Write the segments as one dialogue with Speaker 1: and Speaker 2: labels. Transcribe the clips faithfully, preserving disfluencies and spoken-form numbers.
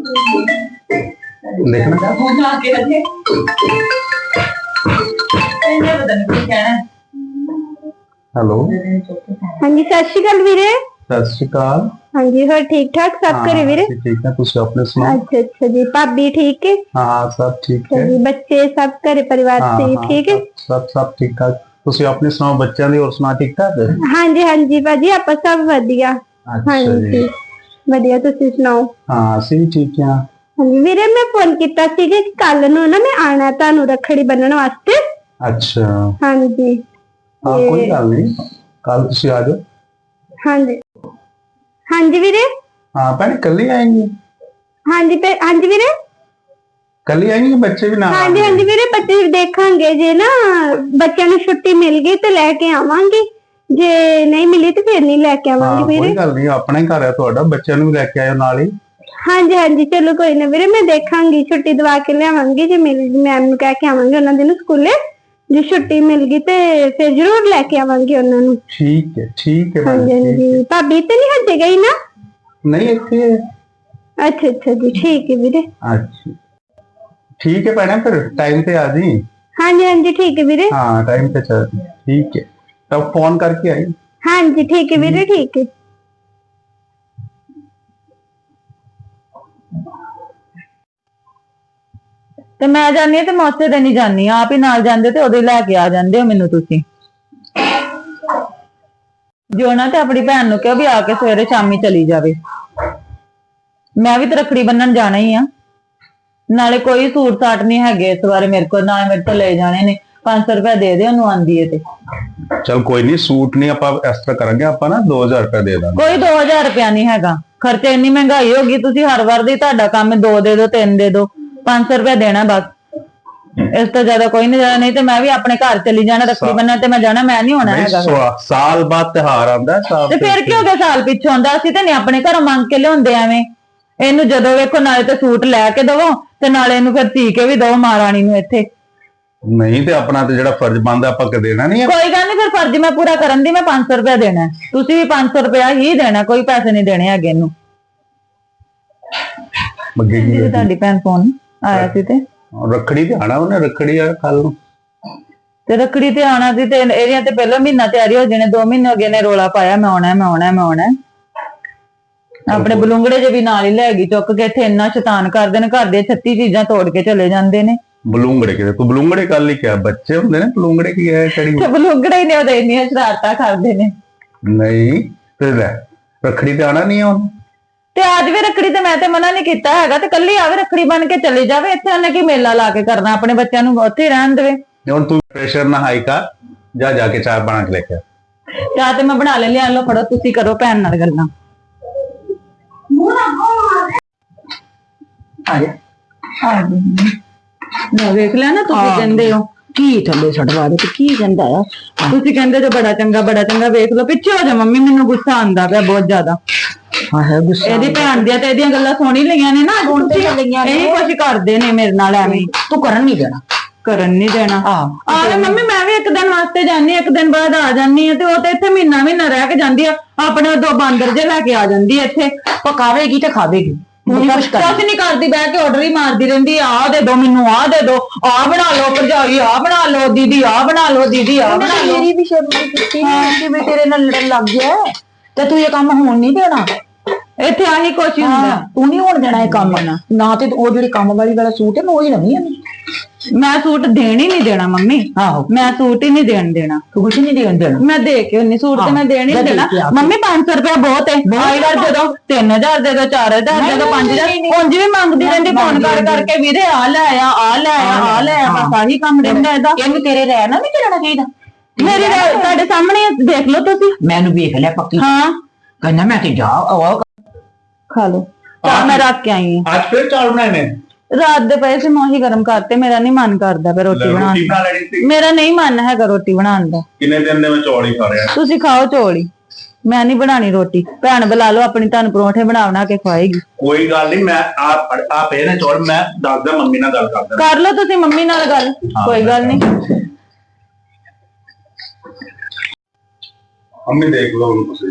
Speaker 1: देखना
Speaker 2: फोन आके रखे ਇਹਨੇ ਪਤਾ ਨਹੀਂ ਕੀ ਕਹਿਣਾ।
Speaker 1: हेलो
Speaker 3: हाँ जी सत श्री अकाल वीरे।
Speaker 1: सत श्री अकाल।
Speaker 3: हाँ जी और ठीक ठाक सब घरे वीरे?
Speaker 1: ठीक है, तुसी अपने सुनाओ।
Speaker 3: अच्छा अच्छा जी, भाभी ठीक है?
Speaker 1: हाँ हाँ सब ठीक है
Speaker 3: जी, बच्चे सब घरे परिवार से ठीक है?
Speaker 1: सब सब ठीक ठाक। तुसी अपने सुनाओ, बच्चों दी और सुना ठीक ठाक है?
Speaker 3: हाँ जी हाँ जी भाजी आप सब वधिया। हाँ जी वधिया, तुसी सुनाओ?
Speaker 1: हाँ ਅਸੀਂ भी ठीक है।
Speaker 3: हाँ जी वीरे मैं फोन किया सी कि कल नूं ना मैं आना तुहानूं रखड़ी बन्नण वास्ते।
Speaker 1: अच्छा
Speaker 3: हाँ जी
Speaker 1: हाँ कोई गल नहीं, कल तुसी आ जाओ।
Speaker 3: हाँ जी हाँ जी वीरे।
Speaker 1: हाँ भैन कल ही आएंगे?
Speaker 3: हाँ जी हाँ जी वीरे
Speaker 1: कल ही आएंगे, बच्चे भी ना?
Speaker 3: हाँ जी हाँ जी वीरे बच्चे भी देखांगे, जे ना बच्चों नूं छुट्टी मिल गई तो लैके आवांगे, जे नहीं मिली तो फिर नहीं लैके आवांगे वीरे।
Speaker 1: कोई गल नहीं, अपना ही घर है तुहाडा, बच्चों नूं भी लैके आयो नाल ही।
Speaker 3: हाँ जी हाँ जी चलो कोई ना वीरे, मैं देखांगी छुट्टी दवा के लियावांगी, जे मिल मैम नूं कह के आवांगे उन्हां दे नूं स्कूले, जे छुट्टी मिल गई तो फिर जरूर लैके आवांगे उन्हां नूं।
Speaker 1: ठीक है ठीक है।
Speaker 3: हाँ जी हाँ जी भाभी तो नहीं हजे गई ना?
Speaker 1: नहीं इत्थे।
Speaker 3: अच्छा अच्छा जी ठीक है वीरे।
Speaker 1: अच्छा ठीक है भैन, फिर टाइम पे आ जी।
Speaker 3: हाँ जी हाँ जी ठीक है वीरे।
Speaker 1: हाँ टाइम पे चल, ठीक है तब फोन करके आई।
Speaker 3: हाँ जी ठीक है वीरे ठीक है।
Speaker 2: ਤੇ ਮੈਂ ਜਾਨੀ ਤੇ ਮੈਂ ਉਸੇ ਦਿਨ ਹੀ ਜਾਨੀ ਆ, ਆਪ ਹੀ ਨਾਲ ਜਾਂਦੇ ਤੇ ਉਦੋਂ ਹੀ ਲੈ ਕੇ ਆ ਜਾਂਦੇ ਹੋ ਮੈਨੂੰ ਤੁਸੀਂ। ਜੋ ਨਾ ਤੇ ਆਪਣੀ ਭੈਣ ਨੂੰ ਕਿਹਾ ਵੀ ਆ ਕੇ ਸਵੇਰੇ ਸ਼ਾਮੀ ਚਲੀ ਜਾਵੇ, ਮੈਂ ਵੀ ਤੇ ਰੱਖੜੀ ਬੰਨਣ ਜਾਣਾ ਹੀ ਆ। ਨਾਲੇ ਕੋਈ ਸੂਟ ਸਾਟ ਨਹੀਂ ਹੈਗੇ ਇਸ ਵਾਰੇ ਮੇਰੇ ਕੋਲ, ਨਾ ਮੇਰੇ ਤੋਂ ਲੈ ਜਾਣੇ ਨੇ, पांच सौ रुपया दे दे ਉਹਨੂੰ ਆਂਦੀ ਏ ਤੇ।
Speaker 1: चल कोई नहीं, सूट नहीं ਆਪਾਂ ਇਸ ਤਰ੍ਹਾਂ ਕਰਾਂਗੇ, ਆਪਾਂ ਨਾ दो हज़ार रुपया ਦੇ ਦਾਂਗੇ।
Speaker 2: ਕੋਈ दो हज़ार रुपया नहीं हैगा, ਖਰਚੇ ਇੰਨੀ ਮਹਿੰਗਾਈ ਹੋ ਗਈ, ਤੁਸੀਂ ਹਰ ਵਾਰ ਦੀ ਤੁਹਾਡਾ ਕੰਮ ਦੋ ਦੇ ਦੋ ਤਿੰਨ ਦੇ ਦੋ, पांच सौ रुपया देना बस, इस तो ज्यादा कोई नहीं जाना। नहीं तो मैं भी अपने घर चली जाना रखड़ी बन्नण, ते मैं जाना, मैं नहीं होना हैगा।
Speaker 1: साल बाद त्योहार आंदा है,
Speaker 2: ते फिर की हो गया साल पिछे आंदा, ਅਸੀਂ ਤੇ ਨਹੀਂ ਆਪਣੇ ਘਰੋਂ ਮੰਗ ਕੇ ਲਿਆਉਂਦੇ ਐਵੇਂ। ਇਹਨੂੰ ਜਦੋਂ ਵੇਖੋ ਨਾਲੇ ਤੇ ਸੂਟ ਲੈ ਕੇ ਦਵੋ ਤੇ ਨਾਲੇ ਇਹਨੂੰ ਫਿਰ ਧੀ ਕੇ ਵੀ ਦਵੋ ਮਹਾਰਾਣੀ ਨੂੰ ਇੱਥੇ।
Speaker 1: नहीं तो अपना तो ਜਿਹੜਾ फर्ज बनदा ਆਪਾਂ ਕ देना नहीं है।
Speaker 2: कोई गल नहीं, फिर फर्ज मैं पूरा करन दी, मैं पांच सौ रुपया देना, ਤੁਸੀਂ भी पांच सौ रुपया ही देना, कोई पैसे नहीं देने ਹੈਗੇ ਇਹਨੂੰ। ਜੀ ਤੁਹਾਡੀ ਭੈਣ ਫੋਨ ਆਇਆ ਸੀ ਤੇ
Speaker 1: ਰੱਖੜੀ ਤੇ ਆਣਾ ਉਹਨੇ, ਰੱਖੜੀ ਆ ਕੱਲ ਨੂੰ
Speaker 2: ਤੇ ਰੱਖੜੀ ਤੇ ਆਣਾ ਸੀ ਤੇ ਇਹਦੀਆਂ ਤੇ ਪਹਿਲਾਂ ਮਹੀਨਾ ਤਿਆਰੀ ਹੋ ਜਾਣੇ, ਦੋ ਮਹੀਨੇ ਹੋ ਗਏ ਨੇ ਰੋਲਾ ਪਾਇਆ ਮੈਂ ਆਉਣਾ ਮੈਂ ਆਉਣਾ ਮੈਂ ਆਉਣਾ। ਆਪਣੇ ਬਲੂੰਗੜੇ ਜੇ ਵੀ ਨਾਲ ਹੀ ਲੈ ਗਈ ਚੁੱਕ ਕੇ, ਇੱਥੇ ਇੰਨਾ ਸ਼ੈਤਾਨ ਕਰਦੇ ਨੇ, ਘਰ ਦੇ ਛੱਤੀ ਚੀਜ਼ਾਂ ਤੋੜ ਕੇ ਚਲੇ ਜਾਂਦੇ ਨੇ।
Speaker 1: ਬਲੂੰਗੜੇ ਕਿਤੇ ਤੂੰ ਬਲੂੰਗੜੇ ਕਰ ਲਈ, ਕਿਹਾ ਬੱਚੇ ਹੁੰਦੇ ਨੇ ਬਲੂੰਗੜੇ ਕੀ ਹੈ ਕੜੀ
Speaker 2: ਤੇ ਬਲੂੰਗੜੇ ਹੀ ਨੇ ਉਹਦੇ ਇੰਨੀਆਂ ਸ਼ਰਾਰਤਾਂ ਕਰਦੇ ਨੇ।
Speaker 1: ਨਹੀਂ ਤੇ ਲੈ ਰੱਖੜੀ ਤੇ ਆਣਾ ਨਹੀਂ ਆ ਉਹਨੂੰ,
Speaker 2: ਤੇ ਅੱਜ ਵੀ ਰੱਖੜੀ ਤੇ ਮੈਂ ਤੇ ਮਨਾ ਨਹੀਂ ਕੀਤਾ ਹੈਗਾ, ਤੇ ਕੱਲੀ ਆਵੇ ਰੱਖੜੀ ਬਣ ਕੇ ਚਲੀ ਜਾਵੇ, ਇੱਥੇ ਉਹਨੇ ਕੀ ਮੇਲਾ ਲਾ ਕੇ ਕਰਨਾ, ਆਪਣੇ ਬੱਚਿਆਂ ਨੂੰ ਉੱਥੇ ਰਹਿਣ ਦੇਵੇ।
Speaker 1: ਹੁਣ ਤੂੰ ਪ੍ਰੈਸ਼ਰ ਨਾ ਹਾਈ ਕਰ, ਜਾ ਜਾ ਕੇ ਚਾਹ ਬਣਾ ਕੇ ਲੈ ਕੇ ਆ।
Speaker 2: ਚਾਹ ਤੇ ਮੈਂ ਬਣਾ ਲੈ ਲਿਆ, ਲੋ ਫੜੋ ਤੁਸੀਂ ਕਰੋ ਭੈਣ ਨਾਲ ਗੱਲਾਂ। ਆ ਜਾ ਆ ਜਾ ਨਾ ਵੇਖ ਲੈ ਨਾ, ਤੁਸੀਂ ਕਹਿੰਦੇ ਹੋ
Speaker 4: ਕੀ ਥੱਲੇ ਛੱਡਵਾ ਦੇ, ਕੀ ਕਹਿੰਦਾ ਆ?
Speaker 2: ਤੁਸੀਂ ਕਹਿੰਦੇ ਜੋ ਬੜਾ ਚੰਗਾ ਬੜਾ ਚੰਗਾ, ਵੇਖ ਲਓ ਪਿੱਛੇ ਹੋ ਜਾ ਮੰਮੀ, ਮੈਨੂੰ ਗੁੱਸਾ ਆਂਦਾ ਪਿਆ ਬਹੁਤ ਜ਼ਿਆਦਾ।
Speaker 4: ਹਾਂ ਹੈ ਗੁੱਸਾ,
Speaker 2: ਇਹਦੀ ਭੈਣ ਦੀਆਂ ਤੇ ਇਹਦੀਆਂ ਗੱਲਾਂ ਸੁਣ ਹੀ ਲਈਆਂ ਨੇ ਨਾ, ਹੁਣ ਤੇ ਲਈਆਂ ਨੇ, ਇਹ ਕੁਝ ਕਰਦੇ ਨੇ ਮੇਰੇ ਨਾਲ ਐਵੇਂ।
Speaker 4: ਤੂੰ ਕਰਨ ਨਹੀਂ ਦੇਣਾ,
Speaker 2: ਕਰਨ ਨਹੀਂ ਦੇਣਾ। ਆਵੇ ਮੰਮੀ ਮੈਂ ਵੀ ਇੱਕ ਦਿਨ ਵਾਸਤੇ ਜਾਨੀ, ਇੱਕ ਦਿਨ ਬਾਅਦ ਆ ਜਾਨੀ ਆ, ਤੇ ਉਹ ਤੇ ਇੱਥੇ ਮਹੀਨਾ ਮਹੀਨਾ ਰਹਿ ਕੇ ਜਾਂਦੀ ਆ, ਆਪਣੇ ਦੋ ਬਾਂਦਰ ਜੇ ਲੈ ਕੇ ਆ ਜਾਂਦੀ ਆ ਇੱਥੇ,
Speaker 4: ਪਕਾਵੇਗੀ ਤੇ ਖਾਵੇਗੀ,
Speaker 2: ਕੁਛ ਨਹੀਂ ਕਰਦੀ, ਬਹਿ ਕੇ ਆਰਡਰ ਹੀ ਮਾਰਦੀ ਰਹਿੰਦੀ, ਆਹ ਦੇ ਦੋ ਮੈਨੂੰ, ਆਹ ਦੇ ਦੋ, ਆਹ ਬਣਾ ਲਓ ਭਰਜਾਈ, ਆਹ ਬਣਾ ਲਓ ਦੀਦੀ, ਆਹ ਬਣਾ ਲਓ ਦੀਦੀ, ਆਹ ਬਣਾ ਲਓ।
Speaker 4: ਮੇਰੀ ਵੀ ਸ਼ਰਮ ਕੀਤੀ ਕਿ ਮੈਂ ਤੇਰੇ ਨਾਲ ਲੜਨ ਲੱਗ ਗਿਆ ਤੇ ਤੂੰ ਇਹ ਕੰਮ ਹੋਣ ਨਹੀਂ ਦੇਣਾ।
Speaker 2: ਇੱਥੇ ਆਹੀ ਕੁਛ ਹੀ ਹੁੰਦਾ,
Speaker 4: ਤੂੰ ਨਹੀਂ ਹੋਣ ਦੇਣਾ ਇਹ ਕੰਮ ਨਾ। ਤੇ ਉਹ ਜਿਹੜੀ ਕੰਮ ਵਾਲੀ ਵਾਲਾ ਸੂਟ ਹੈ ਮੈਂ ਉਹੀ ਨਵੀਂ ਆਣੀ,
Speaker 2: ਮੈਂ ਸੂਟ ਦੇਣ ਹੀ ਨਹੀਂ ਦੇਣਾ ਮੰਮੀ।
Speaker 4: ਆਹੋ
Speaker 2: ਮੈਂ ਸੂਟ ਹੀ ਨਹੀਂ ਦੇਣ ਦੇਣਾ,
Speaker 4: ਤੂੰ ਕੁਛ ਨਹੀਂ ਦੇਣ ਦੇਣਾ,
Speaker 2: ਮੈਂ ਦੇ ਕੇ ਉਹਨੀ ਸੂਟ ਤੇ ਮੈਂ ਦੇਣ ਹੀ ਨਹੀਂ ਦੇਣਾ ਮੰਮੀ। ਪੰਜ ਸੌ ਰੁਪਇਆ ਬਹੁਤ ਹੈ, ਆਈ ਵਾਰ ਦੇ ਦੋ, ਤਿੰਨ ਹਜ਼ਾਰ ਦੇ ਦੋ, ਚਾਰ ਹਜ਼ਾਰ ਦੇ ਦੋ, ਪੰਜ ਹਜ਼ਾਰ ਉਂਝ ਵੀ ਮੰਗਦੀ ਰਹਿੰਦੀ ਫੋਨ ਕਰ ਕਰਕੇ, ਵੀਰੇ ਆ ਲੈ ਆ ਆ ਲੈ ਆ ਆ ਲੈ ਆ, ਬਸ ਆਹੀ ਕੰਮ ਰਹਿੰਦਾ ਇਹਦਾ।
Speaker 4: ਇਹਨੂੰ ਤੇਰੇ ਰਹਿਣਾ ਨਹੀਂ ਦੇਣਾ ਚਾਹੀਦਾ।
Speaker 2: ਮੇਰੀ ਤੁਹਾਡੇ ਸਾਹਮਣੇ ਦੇਖ ਲਓ ਤੁਸੀਂ,
Speaker 4: ਮੈਨੂੰ ਵੇਖ ਲਿਆ ਪੱਕੀ।
Speaker 2: ਹਾਂ
Speaker 4: ਕਹਿੰਦਾ ਮੈਂ ਤੇ ਜਾ
Speaker 2: ਖਾ ਲੋ ਚਾਹ, ਮੈਂ ਰੱਖ ਕੇ ਆਈ ਹਾਂ।
Speaker 1: ਅੱਜ ਫਿਰ ਚਾਵਲ ਬਣਾਏ ਨੇ?
Speaker 2: ਰਾਤ ਦੇ ਪਏ ਸੀ ਮੈਂ ਉਹੀ ਗਰਮ ਕਰਤੇ, ਮੇਰਾ ਨਹੀਂ ਮਨ ਕਰਦਾ ਪਿਆ ਰੋਟੀ ਬਣਾਉਣ ਦਾ, ਮੇਰਾ ਨਹੀਂ ਮਨ ਹੈਗਾ ਰੋਟੀ ਬਣਾਉਣ ਦਾ।
Speaker 1: ਕਿੰਨੇ ਦਿਨ ਦੇ ਮੈਂ ਚੌਲ ਹੀ ਖਾ ਰਿਹਾ।
Speaker 2: ਤੁਸੀਂ ਖਾਓ ਚੌਲ ਹੀ, ਮੈਂ ਨਹੀਂ ਬਣਾਣੀ ਰੋਟੀ। ਭੈਣ ਬੁਲਾ ਲਓ ਆਪਣੀ, ਤੁਹਾਨੂੰ ਪਰੌਂਠੇ ਬਣਾ ਬਣਾ ਕੇ ਖਵਾਏਗੀ।
Speaker 1: ਕੋਈ ਗੱਲ ਨਹੀਂ, ਮੈਂ ਆਪ ਆਪ ਇਹ ਨੇ ਚੌਲ ਮੈਂ ਦੱਸਦਾ, ਮੰਮੀ ਨਾਲ ਗੱਲ ਕਰਦਾ।
Speaker 2: ਕਰ ਲਓ ਤੁਸੀਂ ਮੰਮੀ ਨਾਲ ਗੱਲ, ਕੋਈ ਗੱਲ ਨਹੀਂ।
Speaker 1: ਮੰਮੀ ਦੇਖ ਲਓ ਹੁਣ ਤੁਸੀਂ,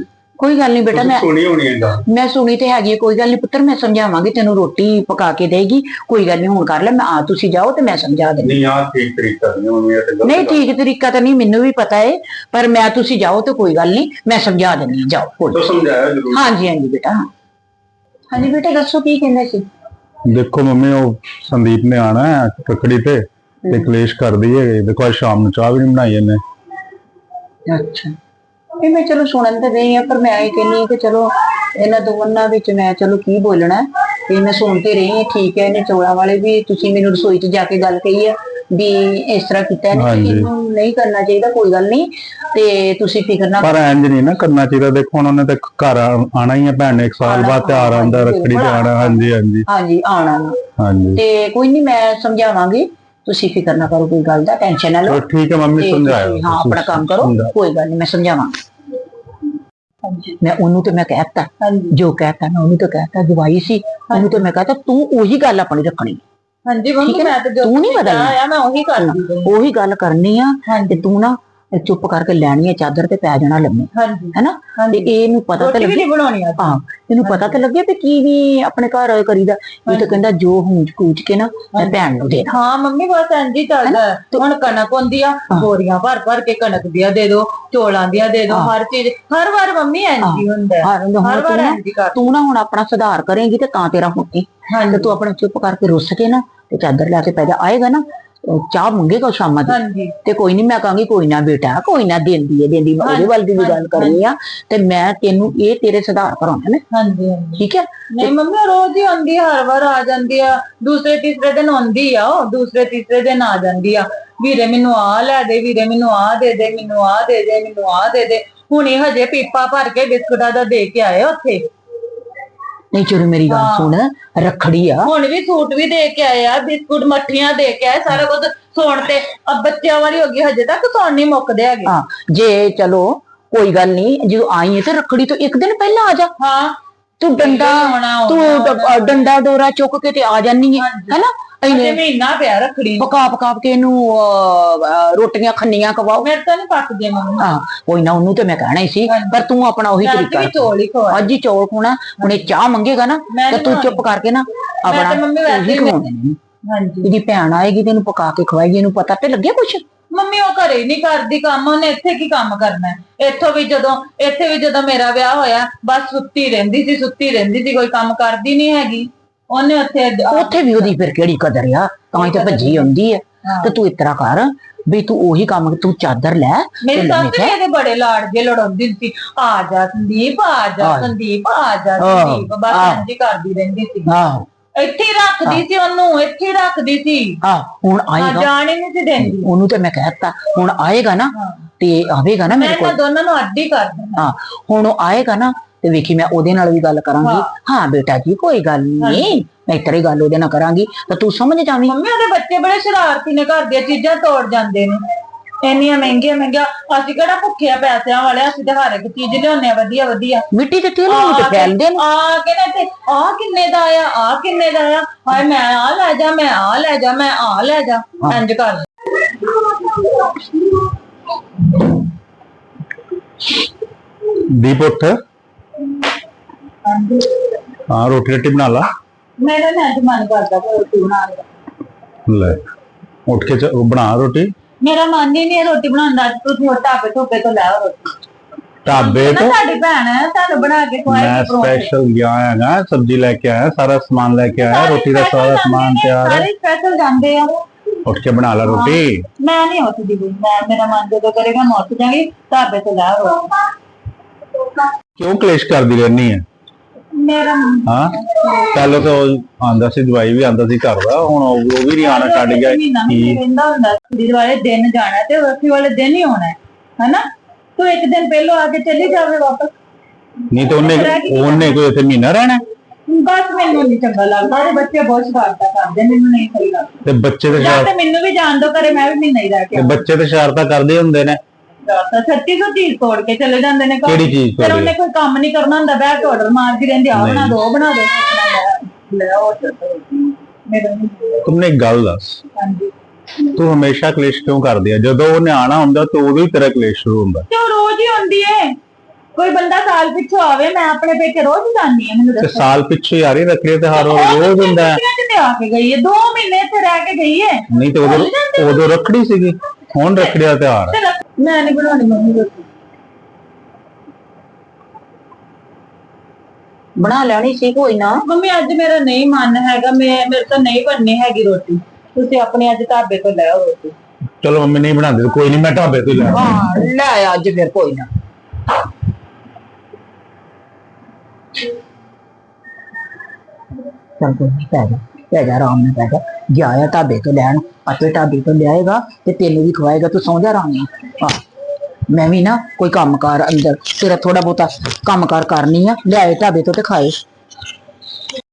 Speaker 4: ਕੋਈ ਗੱਲ ਨਹੀਂ ਬੇਟਾ, ਮੈਂ
Speaker 1: ਸੁਣੀ ਹੋਣੀ ਹੈ ਗੱਲ।
Speaker 4: ਮੈਂ ਸੁਣੀ ਤੇ ਹੈਗੀ ਹੈ, ਕੋਈ ਗੱਲ ਨਹੀਂ ਪੁੱਤਰ, ਮੈਂ ਸਮਝਾਵਾਂਗੀ ਤੈਨੂੰ, ਰੋਟੀ ਪਕਾ ਕੇ ਦੇਗੀ, ਕੋਈ ਗੱਲ ਨਹੀਂ, ਹੁਣ ਕਰ ਲੈ, ਮੈਂ ਆ ਤੁਸੀਂ ਜਾਓ ਤੇ ਮੈਂ ਸਮਝਾ ਦੇਣੀ।
Speaker 1: ਨਹੀਂ ਆ ਠੀਕ ਤਰੀਕਾ ਨਹੀਂ ਮੰਮੀ, ਇਹ ਤੇ ਗਲਤ
Speaker 4: ਨਹੀਂ ਠੀਕ ਤਰੀਕਾ ਤਾਂ ਨਹੀਂ, ਮੈਨੂੰ ਵੀ ਪਤਾ ਹੈ, ਪਰ ਮੈਂ ਤੁਸੀਂ ਜਾਓ ਤੇ ਕੋਈ ਗੱਲ ਨਹੀਂ, ਮੈਂ ਸਮਝਾ ਦਿੰਦੀ ਹਾਂ, ਜਾਓ ਕੋਈ।
Speaker 1: ਤੋ ਸਮਝਾਇਆ ਜ਼ਰੂਰ।
Speaker 4: ਹਾਂਜੀ ਹਾਂਜੀ ਬੇਟਾ। ਹਾਂਜੀ ਬੇਟਾ ਦੱਸੋ ਕੀ ਕਹਿੰਦੇ ਸੀ?
Speaker 1: ਦੇਖੋ ਮੰਮੀ, ਉਹ ਸੰਦੀਪ ਨੇ ਆਣਾ ਹੈ ਕੱਕੜੀ ਤੇ ਤੇ ਕਲੇਸ਼ ਕਰਦੀ ਹੈ। ਦੇਖੋ ਅੱਜ ਸ਼ਾਮ ਨੂੰ ਚਾਹ ਵੀ ਨਹੀਂ ਬਣਾਈ ਇਹਨੇ।
Speaker 4: ਅੱਛਾ, ਇਹ ਮੈਂ ਚਲੋ ਸੁਣਨ ਤੇ ਰਹੀ ਆ, ਪਰ ਮੈਂ ਇਹ ਕਹਿੰਦੀ ਹਾਂ ਕਿ ਚਲੋ ਇਹਨਾਂ ਦੋਵਾਂ ਵਿੱਚ ਮੈਂ ਚਲੋ ਕੀ ਬੋਲਣਾ, ਤੇ ਮੈਂ ਸੁਣ ਤੇ ਰਹੀ ਹਾਂ। ਠੀਕ ਹੈ, ਇਹਨੇ ਚੌਲਾਂ ਵਾਲੇ ਵੀ ਤੁਸੀਂ ਮੈਨੂੰ ਰਸੋਈ 'ਚ ਜਾ ਕੇ ਗੱਲ ਕਹੀ ਆ ਵੀ ਇਸ ਤਰ੍ਹਾਂ ਕੀਤਾ ਇਹਨੇ, ਇਹਨੂੰ ਨਹੀਂ ਕਰਨਾ ਚਾਹੀਦਾ, ਕੋਈ ਗੱਲ ਨਹੀਂ, ਤੇ ਤੁਸੀਂ ਫਿਕਰ ਨਾ।
Speaker 1: ਪਰ ਇੰਜ ਨਹੀਂ ਨਾ ਕਰਨਾ ਚਾਹੀਦਾ। ਦੇਖੋ ਹੁਣ ਉਹਨੇ ਤੇ ਘਰ ਆਣਾ ਹੀ ਹੈ, ਭੈਣ ਨੇ ਇੱਕ ਸਾਲ ਬਾਅਦ ਤਿਉਹਾਰ ਆਉਂਦਾ, ਰੱਖੜੀ ਤੇ ਆਣਾ। ਹਾਂਜੀ ਹਾਂਜੀ
Speaker 4: ਹਾਂਜੀ ਆਉਣਾ
Speaker 1: ਹਾਂਜੀ,
Speaker 4: ਤੇ ਕੋਈ ਨਹੀਂ, ਮੈਂ ਸਮਝਾਵਾਂਗੀ, ਤੁਸੀਂ ਫਿਕਰ ਨਾ ਕਰੋ, ਕੋਈ ਗੱਲ ਦਾ ਟੈਨਸ਼ਨ ਨਾ ਲਓ।
Speaker 1: ਠੀਕ ਹੈ ਮੰਮੀ, ਸਮਝਾਇਆ।
Speaker 4: ਹਾਂ ਆਪਣਾ ਕੰਮ ਕਰੋ, ਕੋਈ ਗੱਲ ਨਹੀਂ, ਮੈਂ ਸਮਝਾਵਾਂਗੀ। ਮੈਂ ਉਹਨੂੰ ਤੇ ਮੈਂ ਕਹਿਤਾ, ਜੋ ਕਹਿਤਾ ਮੈਂ ਉਹਨੂੰ ਤੇ ਕਹਿਤਾ, ਜਵਾਈ ਸੀ ਉਹਨੂੰ ਤੇ ਮੈਂ ਕਹਿਤਾ ਤੂੰ ਉਹੀ ਗੱਲ ਆਪਣੀ ਰੱਖਣੀ।
Speaker 2: ਹਾਂਜੀ ਮੰਮੀ, ਮੈਂ ਤੇ ਜੋ
Speaker 4: ਤੂੰ ਨਹੀਂ ਬਦਲਣਾ,
Speaker 2: ਮੈਂ ਉਹੀ ਕਰਦੀ,
Speaker 4: ਉਹੀ ਗੱਲ ਕਰਨੀ ਆ। ਤੇ ਤੂੰ ਨਾ ਚੁੱਪ ਕਰਕੇ ਲੈਣੀ ਹੈ ਚਾਦਰ ਤੇ ਪੈ ਜਾਣਾ ਲੰਮੇ, ਹੈਨਾ? ਤੇ ਇਹਨੂੰ ਪਤਾ ਤਾਂ ਲੱਗੇ,
Speaker 2: ਬਣਾਉਣੀ ਆ।
Speaker 4: ਹਾਂ ਇਹਨੂੰ ਪਤਾ ਤਾਂ ਲੱਗੇ ਵੀ ਕੀ ਵੀ ਆਪਣੇ ਘਰ ਕਰੀਦਾ। ਇਹ ਤਾਂ ਕਹਿੰਦਾ ਜੋ ਹੂੰਜ ਕੂਚ ਕੇ ਨਾ ਮੈਂ ਭੈਣ ਨੂੰ ਦੇਣਾ।
Speaker 2: ਹਾਂ ਮੰਮੀ, ਬਸ ਇੰਜ ਹੀ ਚੱਲਦਾ। ਹੁਣ ਕਣਕ ਹੁੰਦੀ ਆ, ਬੋਰੀਆਂ ਭਰ ਭਰ ਕੇ ਕਣਕ ਦੀਆਂ ਦੇ ਦੋ, ਚੋਲਾਂ ਦੀਆਂ ਦੇ ਦੋ, ਹਰ ਚੀਜ਼ ਹਰ ਵਾਰ ਮੰਮੀ ਇੰਜ ਹੀ ਹੁੰਦਾ, ਹਰ ਵਾਰ ਇੰਜ ਹੀ ਕਰ।
Speaker 4: ਤੂੰ ਨਾ ਹੁਣ ਆਪਣਾ ਸੁਧਾਰ ਕਰੇਂਗੀ ਤੇ ਤਾਂ ਤੇਰਾ ਹੋਣੀ। ਤੇ ਤੂੰ ਆਪਣਾ ਚੁੱਪ ਕਰਕੇ ਰੁੱਸ ਕੇ ਨਾ ਤੇ ਚਾਦਰ ਲੈ ਕੇ ਪੈ ਜਾ। ਆਏਗਾ ਨਾ ਚਾਹ ਮੰਗੇਗਾ ਸ਼ਾਮਾਂ ਦੀ, ਤੇ ਕੋਈ ਨਹੀਂ, ਮੈਂ ਕਹਾਂਗੀ ਕੋਈ ਨਾ ਬੇਟਾ, ਕੋਈ ਨਾ, ਦਿੰਦੀ ਹੈ ਦਿੰਦੀ, ਮੈਂ ਉਹਦੇ ਵੱਲ ਦੀ ਵੀ ਗੱਲ ਕਰਨੀ ਆ, ਤੇ ਮੈਂ ਤੈਨੂੰ ਇਹ ਤੇਰੇ ਸੁਧਾਰ ਕਰਾਉਣਾ ਨਾ।
Speaker 2: ਹਾਂਜੀ
Speaker 4: ਠੀਕ ਹੈ।
Speaker 2: ਨਹੀਂ ਮੰਮੀ, ਰੋਜ਼ ਹੀ ਆਉਂਦੀ, ਹਰ ਵਾਰ ਆ ਜਾਂਦੀ ਆ, ਦੂਸਰੇ ਤੀਸਰੇ ਦਿਨ ਆਉਂਦੀ ਆ, ਉਹ ਦੂਸਰੇ ਤੀਸਰੇ ਦਿਨ ਆ ਜਾਂਦੀ ਆ, ਵੀਰੇ ਮੈਨੂੰ ਆ ਲੈ ਦੇ, ਵੀਰੇ ਮੈਨੂੰ ਆ ਦੇ ਦੇ, ਮੈਨੂੰ ਆ ਦੇ ਦੇ, ਮੈਨੂੰ ਆ ਦੇ ਦੇ। ਹੁਣੇ ਹਜੇ ਪੀਪਾ ਭਰ ਕੇ ਬਿਸਕੁਟਾਂ ਦਾ ਦੇ ਕੇ ਆਏ ਉੱਥੇ।
Speaker 4: ਨਹੀਂ ਚਲੋ ਮੇਰੀ ਗੱਲ ਸੁਣ, ਰੱਖੜੀ ਆ,
Speaker 2: ਹੁਣ ਵੀ ਸੂਟ ਵੀ ਦੇ ਕੇ ਆਏ ਆ, ਬਿਸਕੁਟ ਮੱਠੀਆਂ ਦੇ ਕੇ ਆਏ, ਸਾਰਾ ਕੁਝ ਸੌਣ ਤੇ ਅਬ ਬੱਚਿਆਂ ਵਾਲੀ ਹੋ ਗਈ, ਹਜੇ ਤੱਕ ਸੌਣ ਨਹੀਂ ਮੁੱਕਦੇ ਹੈਗੇ।
Speaker 4: ਹਾਂ ਜੇ ਚਲੋ ਕੋਈ ਗੱਲ ਨਹੀਂ, ਜਦੋਂ ਆਈ ਹੈ ਤੇ ਰੱਖੜੀ ਤੋਂ ਇੱਕ ਦਿਨ ਪਹਿਲਾਂ ਆ ਜਾ।
Speaker 2: ਹਾਂ
Speaker 4: ਤੂੰ ਡੰਡਾ ਤੂੰ ਡੰਡਾ ਡੋਰਾ ਚੁੱਕ ਕੇ ਤੇ ਆ ਜਾਨੀ ਹੈ, ਹੈਨਾ?
Speaker 2: ਇਹਨੇ ਮਹੀਨਾ ਪਿਆ ਰੱਖੜੀ,
Speaker 4: ਪਕਾ ਪਕਾ ਕੇ ਇਹਨੂੰ ਰੋਟੀਆਂ ਖੰਨੀਆਂ ਖਵਾਓ।
Speaker 2: ਮੇਰੇ ਤਾਂ ਨਹੀਂ ਪੱਕਦੇ ਮੰਮੀ।
Speaker 4: ਹਾਂ ਕੋਈ ਨਾ, ਉਹਨੂੰ ਤੇ ਮੈਂ ਕਹਿਣਾ ਹੀ ਸੀ, ਪਰ ਤੂੰ ਆਪਣਾ ਉਹੀ ਤਰੀਕਾ,
Speaker 2: ਚੌਲ ਹੀ ਖਵਾ,
Speaker 4: ਅੱਜ ਹੀ ਚੌਲ ਖਵਾਉਣਾ। ਹੁਣ ਇਹ ਚਾਹ ਮੰਗੇਗਾ ਨਾ ਤੇ ਤੂੰ ਚੁੱਪ ਕਰਕੇ ਨਾ ਆਪਣਾ ਉਹੀ ਖਵਾਉਣੇ ਨੇ।
Speaker 2: ਹਾਂਜੀ,
Speaker 4: ਇਹਦੀ ਭੈਣ ਆਏਗੀ ਤੈਨੂੰ ਪਕਾ ਕੇ ਖਵਾਏਗੀ, ਇਹਨੂੰ ਪਤਾ ਤੇ ਲੱਗੇ ਕੁਛ।
Speaker 2: ਮੰਮੀ ਉਹ ਘਰੇ ਨਹੀਂ ਕਰਦੀ ਕੰਮ, ਉਹਨੇ ਇੱਥੇ ਕੀ ਕੰਮ ਕਰਨਾ ਹੈ? ਇੱਥੋਂ ਵੀ ਜਦੋਂ ਇੱਥੇ ਵੀ ਜਦੋਂ ਮੇਰਾ ਵਿਆਹ ਹੋਇਆ, ਬਸ ਸੁੱਤੀ ਰਹਿੰਦੀ ਸੀ, ਸੁੱਤੀ ਰਹਿੰਦੀ ਸੀ, ਕੋਈ ਕੰਮ ਕਰਦੀ ਨਹੀਂ ਹੈਗੀ। ਉਹਨੇ ਉੱਥੇ
Speaker 4: ਉੱਥੇ ਵੀ ਉਹਦੀ ਫਿਰ ਕਿਹੜੀ ਕਦਰ ਆ, ਤਾਂ ਹੀ ਤੇ ਭੱਜੀ ਆਉਂਦੀ ਹੈ। ਤੇ ਤੂੰ ਇਸ ਤਰ੍ਹਾਂ ਕਰ ਵੀ ਤੂੰ ਉਹੀ ਕੰਮ, ਤੂੰ ਚਾਦਰ ਲੈ।
Speaker 2: ਮੇਰੀ ਸੱਸ ਵੀ ਇਹਦੇ ਬੜੇ ਲਾੜ ਜੇ ਲੜਾਉਂਦੀ ਸੀ, ਆ ਜਾ ਸੰਦੀਪ, ਆ ਜਾ ਸੰਦੀਪ, ਆ ਜਾ ਸੰਦੀਪ, ਬਸ ਇੰਝ ਹੀ ਕਰਦੀ ਰਹਿੰਦੀ ਸੀ।
Speaker 4: ਆਹੋ
Speaker 2: ਇੱਥੇ ਹੀ ਰੱਖਦੀ ਸੀ ਉਹਨੂੰ, ਇੱਥੇ ਹੀ ਰੱਖਦੀ ਸੀ।
Speaker 4: ਆਹ ਹੁਣ ਆਏਗਾ,
Speaker 2: ਜਾਣ ਹੀ ਨਹੀਂ ਸੀ ਦਿੰਦੀ।
Speaker 4: ਉਹਨੂੰ ਤੇ ਮੈਂ ਕਹਿਤਾ ਹੁਣ ਆਏਗਾ ਨਾ ਤੇ ਆਵੇਗਾ ਨਾ ਮੇਰੇ ਕੋਲ,
Speaker 2: ਮੈਂ ਦੋਨਾਂ ਨੂੰ ਅੱਡ ਹੀ ਕਰ ਦੇਣਾ।
Speaker 4: ਹਾਂ ਹੁਣ ਉਹ ਆਏਗਾ ਨਾ ਤੇ ਵੇਖੀ ਮੈਂ ਉਹਦੇ ਨਾਲ ਵੀ ਗੱਲ ਕਰਾਂਗੀ। ਹਾਂ ਬੇਟਾ ਜੀ ਕੋਈ ਗੱਲ ਨਹੀਂ, ਮੈਂ ਇਤਰੀ ਗੱਲ ਉਹਦੇ ਨਾਲ ਕਰਾਂਗੀ ਤਾਂ ਤੂੰ ਸਮਝ ਜਾਵੀਂ।
Speaker 2: ਮੰਮੀ ਉਹਦੇ ਬੱਚੇ ਬੜੇ ਸ਼ਰਾਰਤੀ ਨੇ, ਘਰ ਦੀਆਂ ਚੀਜ਼ਾਂ ਤੋੜ ਜਾਂਦੇ ਨੇ, ਇੰਨੀਆਂ ਮਹਿੰਗੀਆਂ ਮਹਿੰਗੀਆਂ। ਅਸੀਂ ਕਿਹੜਾ ਭੁੱਖਿਆ ਪੈਸਿਆਂ ਵਾਲੇ, ਅਸੀਂ ਤੇ ਹਰ ਇੱਕ ਚੀਜ਼ ਲਿਆਉਂਦੇ ਆ ਵਧੀਆ ਵਧੀਆ।
Speaker 4: ਮਿੱਟੀ ਦੇ ਤੇਲ ਨੂੰ ਤੇ ਫੈਲਦੇ ਨੇ,
Speaker 2: ਆ ਕੇ ਨਾ ਤੇ ਆ ਕਿੰਨੇ ਦਾ ਆਇਆ, ਆ ਕਿੰਨੇ ਦਾ ਆਇਆ, ਹਾਏ ਮੈਂ ਆ ਲੈ ਜਾ, ਮੈਂ ਆ ਲੈ ਜਾ, ਮੈਂ ਆ ਲੈ ਜਾ, ਇੰਜ ਕਰ।
Speaker 1: ਦੀਪ ਉੱਠ, ਹਾਂ ਰੋਟੀ ਰੋਟੀ ਬਣਾ ਲਾ।
Speaker 2: ਮੇਰਾ ਨਾ ਅੱਜ ਮਨ ਕਰਦਾ ਰੋਟੀ ਬਣਾਉਣ ਦਾ।
Speaker 1: ਲੈ ਉੱਠ ਕੇ ਬਣਾ ਰੋਟੀ।
Speaker 2: ਮੇਰਾ ਮਨ ਹੀ ਨਹੀਂ ਹੈ ਰੋਟੀ ਬਣਾਉਣ ਦਾ। ਤੁਸੀਂ ਢਾਬੇ ਢੋਬੇ ਤੋਂ ਲੈ ਆਓ ਰੋਟੀ।
Speaker 1: ਢਾਬੇ ਤੋਂ
Speaker 2: ਸਾਡੀ ਭੈਣ ਹੈ, ਤੁਹਾਨੂੰ ਬਣਾ ਕੇ ਖਵਾਏਗੀ।
Speaker 1: ਮੈਂ ਸਪੈਸ਼ਲ ਗਿਆ ਹੈਗਾ, ਸਬਜ਼ੀ ਲੈ ਕੇ ਆਇਆ, ਸਾਰਾ ਸਮਾਨ ਲੈ ਕੇ ਆਇਆ, ਰੋਟੀ ਦਾ ਸਾਰਾ ਸਮਾਨ ਤਿਆਰ ਹੈ।
Speaker 2: ਸਾਰੇ ਸਪੈਸ਼ਲ ਜਾਂਦੇ ਆ।
Speaker 1: ਉੱਠ ਕੇ ਬਣਾ ਲੈ ਰੋਟੀ।
Speaker 2: ਮੈਂ ਨਹੀਂ ਉੱਠਦੀ ਕੋਈ, ਮੈਂ ਮੇਰਾ ਮਨ ਜਦੋਂ ਕਰੇਗਾ ਮੈਂ ਉੱਠ ਜਾਵਾਂਗੀ। ਢਾਬੇ ਤੋਂ ਲੈ ਆਓ।
Speaker 1: ਕਿਉਂ ਕਲੇਸ਼ ਕਰਦੀ ਰਹਿਨੀ ਹੈ?
Speaker 2: ਮੇਰਾ
Speaker 1: ਹਾਂ ਪਹਿਲਾਂ ਤਾਂ ਆਂਦਾ ਸੀ, ਜਵਾਈ ਵੀ ਆਂਦਾ ਸੀ ਘਰ ਦਾ, ਹੁਣ ਉਹ ਵੀ ਨਹੀਂ ਆਣਾ ਛੱਡ ਗਿਆ।
Speaker 2: ਕੀ ਕਹਿੰਦਾ ਹੁੰਦਾ ਕੁੜੀ ਵਾਲੇ ਦਿਨ ਜਾਣਾ ਤੇ ਵਰਤੀ ਵਾਲੇ ਦਿਨ ਹੀ ਆਉਣਾ ਹੈ, ਹੈਨਾ? ਤੂੰ ਇੱਕ ਦਿਨ ਪਹਿਲਾਂ ਆ ਕੇ ਚਲੀ ਜਾਵੇ ਵਾਪਸ।
Speaker 1: ਨਹੀਂ ਤਾਂ ਉਹਨੇ ਉਹਨੇ ਕੋਈ ਇੱਥੇ ਮਹੀਨਾ ਰਹਿਣਾ।
Speaker 2: ਬਸ ਮੈਨੂੰ ਨਹੀਂ ਚੰਗਾ ਲੱਗਦਾ, ਉਹਦੇ ਬੱਚੇ ਬਹੁਤ ਸ਼ਰਾਰਤਾਂ ਕਰਦੇ, ਮੈਨੂੰ ਨਹੀਂ ਸਹੀ ਲੱਗਦਾ।
Speaker 1: ਤੇ ਬੱਚੇ ਤੇ
Speaker 2: ਜਾਂ ਤੇ ਮੈਨੂੰ ਵੀ ਜਾਣ ਦੋ ਘਰੇ, ਮੈਂ ਵੀ ਮਹੀਨਾ ਹੀ ਰਹਿ ਕੇ।
Speaker 1: ਬੱਚੇ ਤੇ ਸ਼ਰਾਰਤਾਂ ਕਰਦੇ ਹੁੰਦੇ ਨੇ,
Speaker 2: ਛੱਤੀ ਸੌ ਚੀਜ਼ ਤੋੜ ਕੇ ਚਲੇ ਜਾਂਦੇ ਨੇ।
Speaker 1: ਕਿਹੜੀ ਚੀਜ਼?
Speaker 2: ਫਿਰ ਉਹਨੇ ਕੋਈ ਕੰਮ ਨਹੀਂ ਕਰਨਾ ਹੁੰਦਾ, ਬੈਠ ਕੇ ਆਰਡਰ ਮਾਰਦੀ ਰਹਿੰਦੀ, ਆ ਬਣਾ ਦੋ ਬਣਾ ਦੋ ਲੈ ਆਓ।
Speaker 1: ਤੁਮਨੇ ਇੱਕ ਗੱਲ ਦੱਸ,
Speaker 2: ਹਾਂਜੀ
Speaker 1: ਤੂੰ ਹਮੇਸ਼ਾ ਕਲੇਸ਼ ਕਿਉਂ ਕਰਦੀ ਆ? ਜਦੋਂ ਉਹਨੇ ਆਣਾ ਹੁੰਦਾ ਤਾਂ ਉਦੋਂ ਹੀ ਤੇਰਾ ਕਲੇਸ਼ ਸ਼ੁਰੂ ਹੁੰਦਾ।
Speaker 2: ਤੇ ਉਹ ਰੋਜ਼ ਹੀ ਹੁੰਦੀ ਏ। ਕੋਈ ਬੰਦਾ ਸਾਲ ਪਿੱਛੋਂ ਆਵੇ, ਮੈਂ ਆਪਣੇ ਪੇਕੇ ਰੋਜ਼ ਜਾਂਦੀ ਆ, ਮੈਨੂੰ
Speaker 1: ਤੇ
Speaker 2: ਦੱਸੋ
Speaker 1: ਸਾਲ ਪਿੱਛੇ ਯਾਰ ਹੀ ਰੱਖੜੀ ਤੇ ਹਰ ਰੋਜ਼ ਹੁੰਦਾ ਹੈ।
Speaker 2: ਛੁੱਟੀਆਂ 'ਚ ਤੇ ਆ ਕੇ ਗਈ ਹੈ, ਦੋ ਮਹੀਨੇ ਇੱਥੇ ਰਹਿ ਕੇ ਗਈ ਹੈ।
Speaker 1: ਨਹੀਂ ਤੇ ਉਦੋਂ ਉਦੋਂ ਰੱਖੜੀ ਸੀਗੀ, ਹੁਣ ਰੱਖੜੀ ਦਾ ਤਿਉਹਾਰ ਹੈ।
Speaker 2: ਤੇ ਰੱਖ- ਮੈਂ ਨਹੀਂ ਬਣਾਉਣੀ ਮੰਮੀ ਰੋਟੀ।
Speaker 4: ਬਣਾ ਲੈਣੀ ਸੀ ਕੋਈ ਨਾ।
Speaker 2: ਮੰਮੀ ਅੱਜ ਮੇਰਾ ਨਹੀਂ ਮਨ ਹੈਗਾ, ਮੈਂ ਮੇਰੇ ਤੋਂ ਨਹੀਂ ਬਣਨੀ ਹੈਗੀ ਰੋਟੀ, ਤੁਸੀਂ ਆਪਣੇ ਅੱਜ ਢਾਬੇ ਤੋਂ ਲੈ ਆਓ ਰੋਟੀ।
Speaker 1: ਚਲੋ ਮੰਮੀ ਨਹੀਂ ਬਣਾਉਂਦੀ, ਕੋਈ ਨਹੀਂ, ਮੈਂ ਢਾਬੇ ਤੋਂ ਹੀ ਲੈ ਆਉਂਦਾ।
Speaker 4: ਹਾਂ ਲੈ ਅੱਜ ਫਿਰ ਕੋਈ ਨਾ। ਚੱਲ ਕੋਈ ਨਹੀਂ, ਪੈ ਜਾ ਪੈ ਜਾ, ਆਰਾਮ ਨਾਲ ਪੈ ਜਾ। ਗਿਆ ਆ ਢਾਬੇ ਤੋਂ ਲੈਣ, ਆਪੇ ਢਾਬੇ ਤੋਂ ਲਿਆਏਗਾ ਤੇ ਤੈਨੂੰ ਵੀ ਖਵਾਏਗਾ, ਤੂੰ ਸੌਂ ਜਾ ਆਰਾਮ ਨਾਲ। ਆਹ ਮੈਂ ਵੀ ਨਾ ਕੋਈ ਕੰਮ ਕਾਰ ਅੰਦਰ ਤੇਰਾ ਥੋੜਾ ਬਹੁਤਾ ਕੰਮ ਕਾਰ ਕਰਨੀ ਆ, ਲਿਆਏ ਢਾਬੇ ਤੋਂ ਤੇ ਖਾਏ।